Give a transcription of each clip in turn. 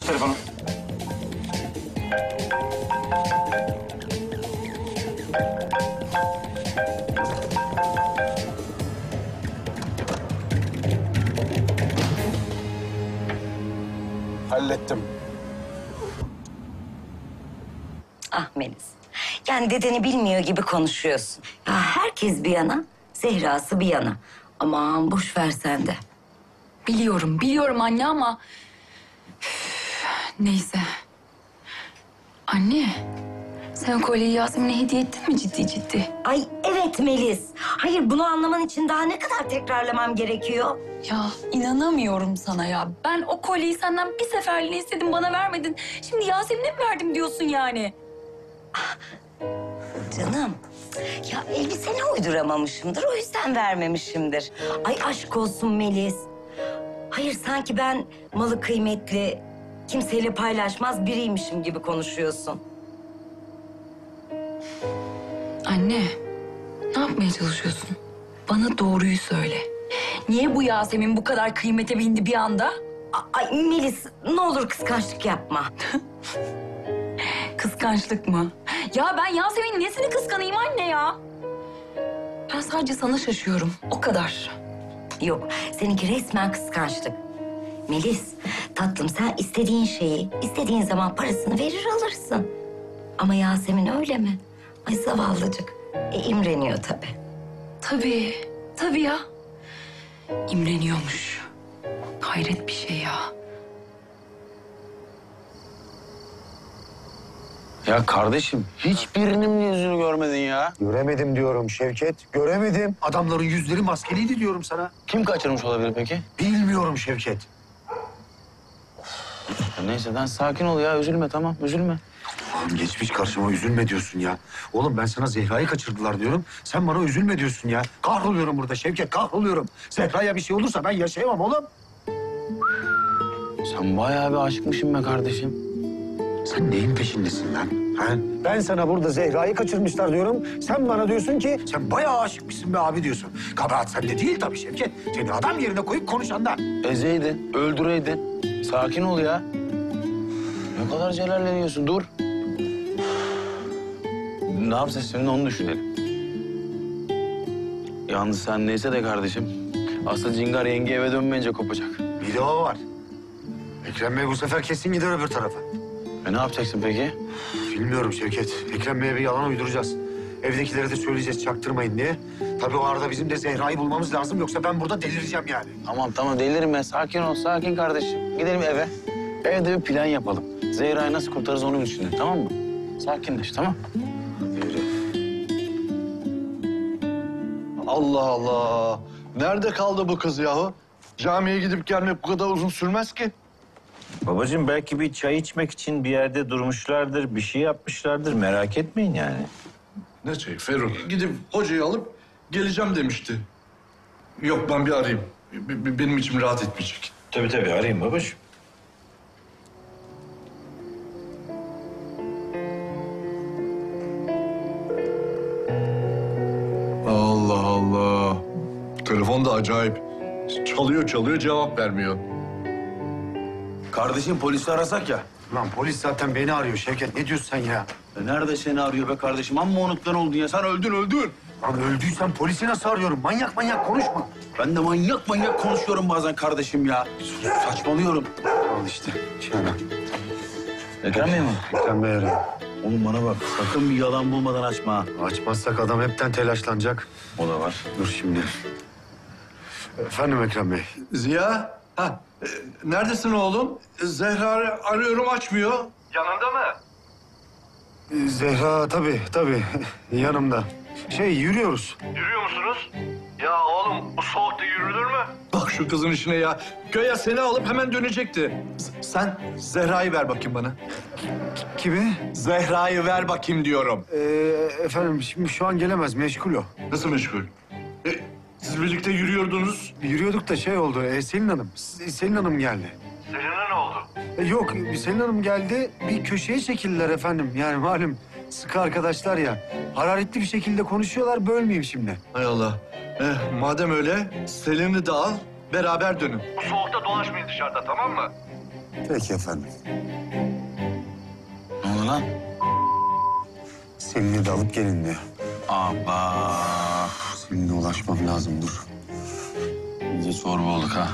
telefonu. Hallettim. Ah Melis, yani dedeni bilmiyor gibi konuşuyorsun. Ya herkes bir yana, Zehra'sı bir yana. Aman boş ver sen de. Biliyorum anne ama... Üf, neyse. Anne, sen o kolyeyi Yasemin'e hediye ettin mi ciddi? Ay evet Melis. Hayır bunu anlaman için daha ne kadar tekrarlamam gerekiyor? Ya inanamıyorum sana ya. Ben o kolyeyi senden bir seferliğine istedim, bana vermedin. Şimdi Yasemin'e mi verdim diyorsun yani? Canım, ya elbiseni uyduramamışımdır, o yüzden vermemişimdir. Ay aşk olsun Melis. Hayır sanki ben malı kıymetli, kimseyle paylaşmaz biriymişim gibi konuşuyorsun. Anne, ne yapmaya çalışıyorsun? Bana doğruyu söyle. Niye bu Yasemin bu kadar kıymete bindi bir anda? Ay Melis ne olur kıskançlık yapma. Kıskançlık mı? Ya ben Yasemin'in nesini kıskanayım anne ya? Ben sadece sana şaşıyorum, o kadar. Yok, seninki resmen kıskançlık. Melis, tatlım sen istediğin şeyi, istediğin zaman parasını verir alırsın. Ama Yasemin öyle mi? Ay zavallıcık. İmreniyor tabii. Tabii ya. İmreniyormuş. Hayret bir şey ya. Ya kardeşim, hiçbirinin mi yüzünü görmedin ya? Göremedim diyorum Şevket, göremedim. Adamların yüzleri maskeliydi diyorum sana. Kim kaçırmış olabilir peki? Bilmiyorum Şevket. Ya neyse lan sakin ol ya, üzülme tamam, üzülme. Oğlum geçmiş karşıma üzülme diyorsun ya. Oğlum ben sana Zehra'yı kaçırdılar diyorum. Sen bana üzülme diyorsun ya. Kahroluyorum burada Şevket, kahroluyorum. Zehra'ya bir şey olursa ben yaşayamam oğlum. Sen bayağı bir aşıkmışsın be kardeşim. Sen neyin peşindesin lan? Ha? Ben sana burada Zehra'yı kaçırmışlar diyorum. Sen bana diyorsun ki sen bayağı aşıkmışsın be abi diyorsun. Kabahat sende değil tabii Şevket. Seni adam yerine koyup konuşanda. Ezeydin, öldüreydin. Sakin ol ya. Ne kadar celalleniyorsun, dur. Ne yapacağız şimdi onu düşünelim. Yalnız sen neyse de kardeşim. Aslında Cingar yenge eve dönmeyince kopacak. Bir de o var. Ekrem Bey bu sefer kesin gider öbür tarafa. Ne yapacaksın peki? Bilmiyorum Şevket. Ekrem Bey'e bir yalan uyduracağız. Evdekilere de söyleyeceğiz çaktırmayın diye. Tabii o arada bizim de Zehra'yı bulmamız lazım. Yoksa ben burada delireceğim yani. Tamam delirme. Sakin ol, sakin kardeşim. Gidelim eve. Evde bir plan yapalım. Zehra'yı nasıl kurtarırız onu düşünelim, tamam mı? Sakinleş, tamam? Allah Allah. Nerede kaldı bu kız yahu? Camiye gidip gelmek bu kadar uzun sürmez ki. Babacığım belki bir çay içmek için bir yerde durmuşlardır, bir şey yapmışlardır. Merak etmeyin yani. Ne çayı Ferruh? Gidip hocayı alıp geleceğim demişti. Yok ben bir arayayım. Benim içim rahat etmeyecek. Tabii arayayım babacığım. Allah Allah. Telefon da acayip. Çalıyor cevap vermiyor. Kardeşim polisi arasak ya. Lan polis zaten beni arıyor Şevket. Ne diyorsun sen ya? Nerede seni arıyor be kardeşim? Amma unutkan oldun ya. Sen öldün. Lan öldüysen polisi nasıl arıyorum? Manyak konuşma. Ben de manyak konuşuyorum bazen kardeşim ya. Saçmalıyorum. Al işte. Şuna. Ekrem Bey mi? Ekrem Bey arıyor. Oğlum bana bak. Sakın bir yalan bulmadan açma ha. Açmazsak adam hepten telaşlanacak. O da var. Dur şimdi. Efendim Ekrem Bey. Ziya, neredesin oğlum? Zehra arıyorum açmıyor. Yanında mı? Zehra tabii yanımda. Yürüyoruz. Yürüyor musunuz? Ya oğlum bu soğukta yürünür mü? Bak şu kızın işine ya. Göya seni alıp hemen dönecekti. Sen Zehra'yı ver bakayım bana. Kimi? Zehra'yı ver bakayım diyorum. Efendim şimdi şu an gelemez. Meşgul o. Nasıl meşgul? Siz birlikte yürüyordunuz. Yürüyorduk da oldu. Selin Hanım. Selin Hanım geldi. Selin'e ne oldu? Yok Selin Hanım geldi. Bir köşeye çekildiler efendim. Yani malum sıkı arkadaşlar ya. Hararetli bir şekilde konuşuyorlar. Bölmeyeyim şimdi. Hay Allah. Madem öyle Selin'i de al, beraber dönün. Bu soğukta dolaşmayın dışarıda tamam mı? Peki efendim. Ne oldu lan? Selin'i de alıp gelin diyor. Aba. Selin'e ulaşmam lazım, dur. İyice çorba olduk ha.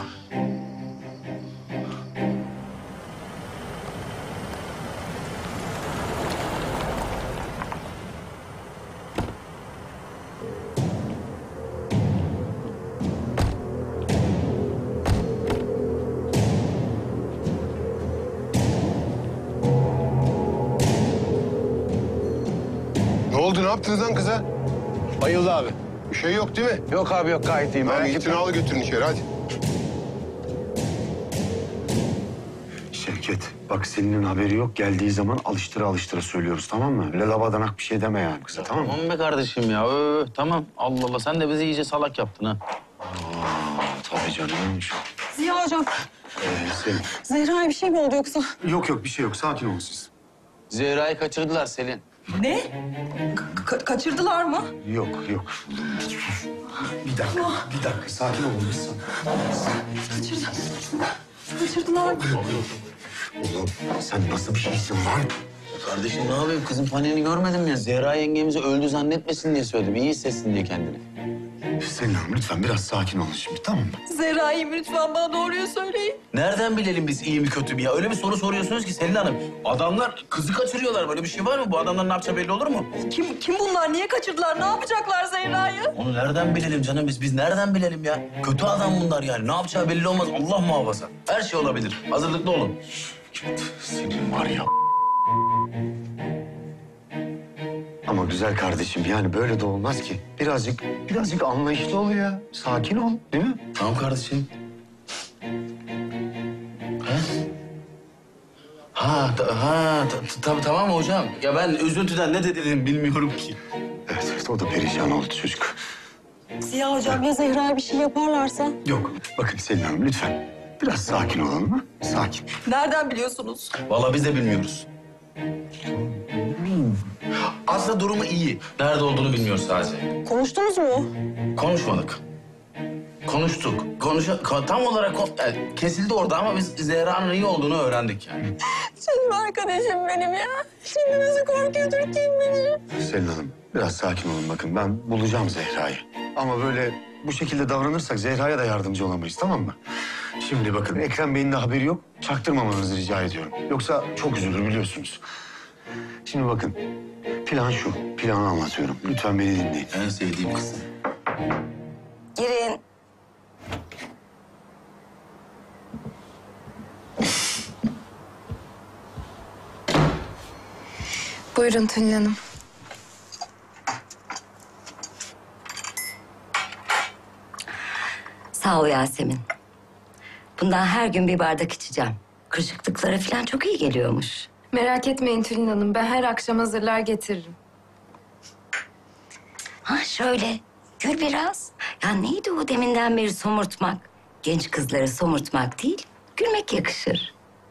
Ne oldu, ne yaptınız lan kıza? Bayıldı abi. Bir şey yok değil mi? Yok abi yok, gayet iyiyim. Tamam, Merak gidin etme. al götürün içeri hadi. Şevket, bak Selin'in haberi yok. Geldiği zaman alıştıra alıştıra söylüyoruz, tamam mı? Öyle labadanak bir şey deme yani kıza, tamam mı? Tamam be kardeşim ya. Tamam. Allah Allah, sen de bizi iyice salak yaptın ha. Tabii canım. Ziya hocam, Selin. Zehra'ya bir şey mi oldu yoksa? Yok yok, bir şey yok. Sakin olun siz. Zehra'yı kaçırdılar Selin. Ne? Kaçırdılar mı? Yok yok. Bir dakika. Sakin olun biz. Kaçırdılar mı? Oğlum sen nasıl bir şeysin lan? Kardeşim ne yapayım? Kızın paniğini görmedim ya. Zehra yengemizi öldü zannetmesin diye söyledim. İyi hissetsin diye kendini. Selin Hanım lütfen biraz sakin olun şimdi, tamam mı? Zehra'yı lütfen bana doğruyu söyleyin. Nereden bilelim biz iyi mi kötü mü ya? Öyle bir soru soruyorsunuz ki Selin Hanım. Adamlar kızı kaçırıyorlar. Böyle bir şey var mı? Bu adamların ne yapacağı belli olur mu? Kim bunlar? Niye kaçırdılar? Ne yapacaklar Zehra'yı? Onu nereden bilelim canım biz? Biz nereden bilelim ya? Kötü adam bunlar yani. Ne yapacağı belli olmaz. Allah muhafaza. Her şey olabilir. Hazırlıklı olun. Senin var ya. Ama güzel kardeşim yani böyle de olmaz ki. Birazcık anlayışlı ol ya. Sakin ol, değil mi? Tamam kardeşim. Tabii tamam hocam. Ya ben üzüntüden ne dediğimi bilmiyorum ki. Evet, o da perişan oldu çocuk. Ziya hocam ya Zehra'ya bir şey yaparlarsa? Yok, bakın Selin Hanım lütfen. Biraz sakin olalım mı? Sakin. Nereden biliyorsunuz? Vallahi biz de bilmiyoruz. Aslında durumu iyi. Nerede olduğunu bilmiyoruz sadece. Konuştunuz mu? Konuşmadık. Konuştuk. Tam olarak yani kesildi orada ama biz Zehra'nın iyi olduğunu öğrendik yani. Canım arkadaşım benim ya. Şimdi nasıl korkuyordur kim bilir? Selin Hanım biraz sakin olun, bakın ben bulacağım Zehra'yı. Ama böyle bu şekilde davranırsak Zehra'ya da yardımcı olamayız, tamam mı? Şimdi bakın Ekrem Bey'in de haberi yok. Çaktırmamanızı rica ediyorum. Yoksa çok üzülür biliyorsunuz. Şimdi bakın plan şu. Planı anlatıyorum. Lütfen beni dinleyin. En sevdiğim kızım. Girin. Buyurun Tülin Hanım. Sağ ol Yasemin. Bundan her gün bir bardak içeceğim. Kırışıklıklara falan çok iyi geliyormuş. Merak etmeyin Tülin Hanım. Ben her akşam hazırlar getiririm. Ha şöyle, gül biraz. Ya neydi o deminden beri somurtmak? Genç kızları somurtmak değil, gülmek yakışır.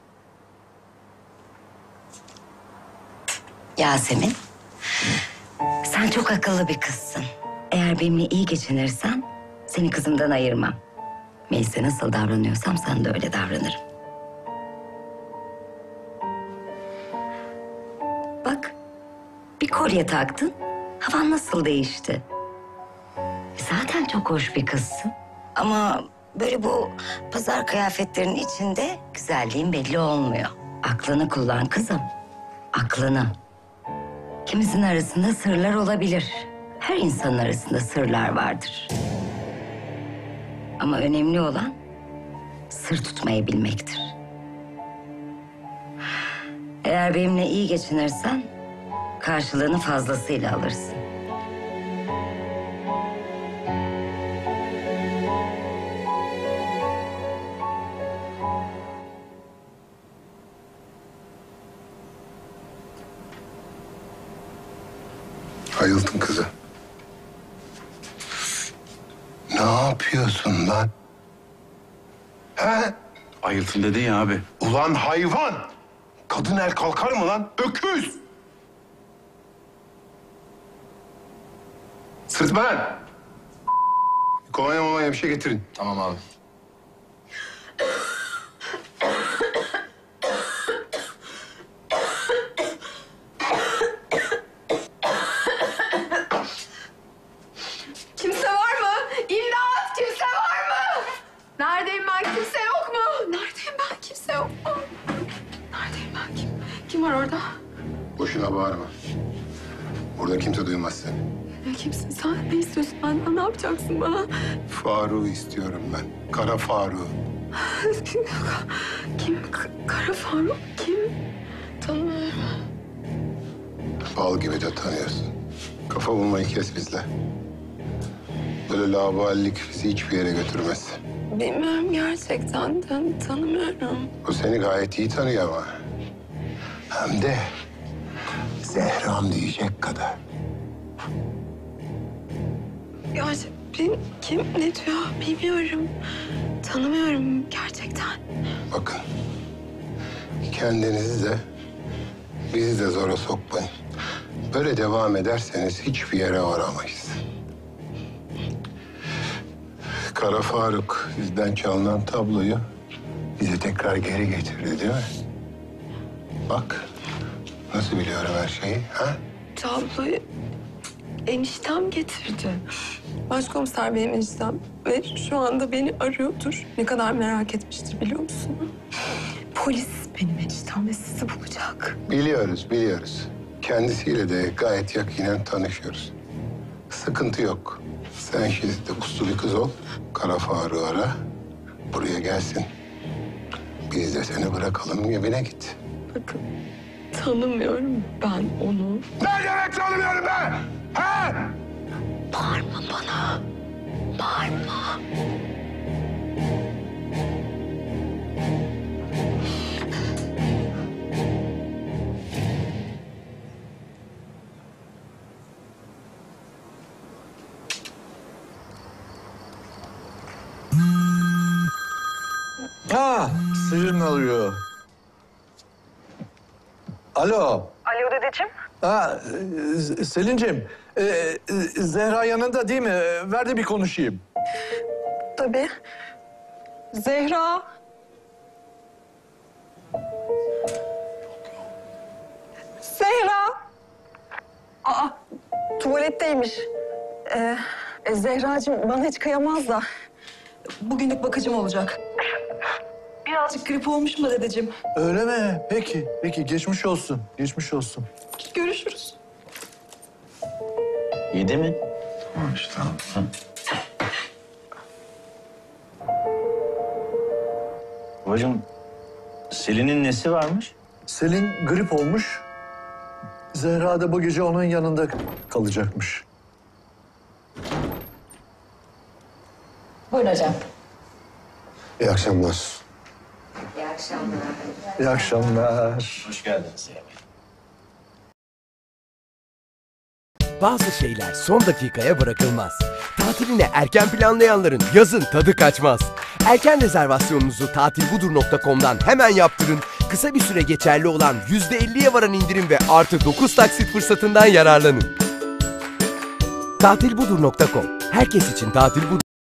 Yasemin, sen çok akıllı bir kızsın. Eğer benimle iyi geçinirsen seni kızımdan ayırmam. Melis'e nasıl davranıyorsam sana da öyle davranırım. Bak, bir kolye taktın, havan nasıl değişti? Zaten çok hoş bir kızsın. Ama böyle bu pazar kıyafetlerinin içinde güzelliğin belli olmuyor. Aklını kullan kızım, aklını. Kimizin arasında sırlar olabilir. Her insanın arasında sırlar vardır. Ama önemli olan sır tutmayı bilmektir. Eğer benimle iyi geçinirsen karşılığını fazlasıyla alırsın. Ayıltın kızı. Ne yapıyorsun lan? He? Ayıltın dedin ya abi. Ulan hayvan! Kadın el kalkar mı lan? Öküz! Sırtma lan! Kolonya bir şey getirin. Tamam abi. var orada? Boşuna bağırma. Burada kimse duymaz seni. Ya kimsin sen? Ne istiyorsun benden? Ne yapacaksın bana? Faruk'u istiyorum ben. Kara Faruk'u. Kim? Kara Faruk kim? Tanımıyorum. Bal gibi de tanıyorsun. Kafa bulmayı kes bizle. Böyle laubalilik bizi hiçbir yere götürmez. Bilmiyorum gerçekten. Tanımıyorum. O seni gayet iyi tanıyor ama. Hem de Zehram diyecek kadar. Ya kim ne diyor bilmiyorum. Tanımıyorum gerçekten. Bakın. Kendinizi de bizi de zora sokmayın. Böyle devam ederseniz hiçbir yere varamayız. Kara Faruk bizden çalınan tabloyu bize tekrar geri getirdi değil mi? Bak nasıl biliyorum her şeyi ha? Tabloyu eniştem getirdi. Başkomiser benim eniştem ve şu anda beni arıyordur. Ne kadar merak etmiştir biliyor musun? Polis benim eniştem ve sizi bulacak. Biliyoruz. Kendisiyle de gayet yakinen tanışıyoruz. Sıkıntı yok. Sen şimdi de uslu bir kız ol. Kara Faruk'u ara. Buraya gelsin. Biz de seni bırakalım evine git. Bakın tanımıyorum ben onu. Ne demek tanımıyorum ben? Ha? Bağırma bana. Bağırma. Ha, Selin arıyor. Alo. Alo dedeciğim. Ha, Selin'ciğim, Zehra yanında değil mi? Ver de bir konuşayım. Tabii. Zehra. Zehra. Aa, tuvaletteymiş. Zehracığım bana hiç kıyamaz da. Bugünlük bakıcım olacak. Birazcık grip olmuş mu dedeciğim? Öyle mi? Peki. Geçmiş olsun. Görüşürüz. Yedi mi? Tamam. Babacığım, Selin'in nesi varmış? Selin grip olmuş. Zehra da bu gece onun yanında kalacakmış. Buyurun hocam. İyi akşamlar. İyi akşamlar. Hoş geldiniz ya. Bazı şeyler son dakikaya bırakılmaz. Tatilini erken planlayanların yazın tadı kaçmaz. Erken rezervasyonunuzu tatilbudur.com'dan hemen yaptırın. Kısa bir süre geçerli olan %50'ye varan indirim ve artı 9 taksit fırsatından yararlanın. Tatilbudur.com. Herkes için tatil budur.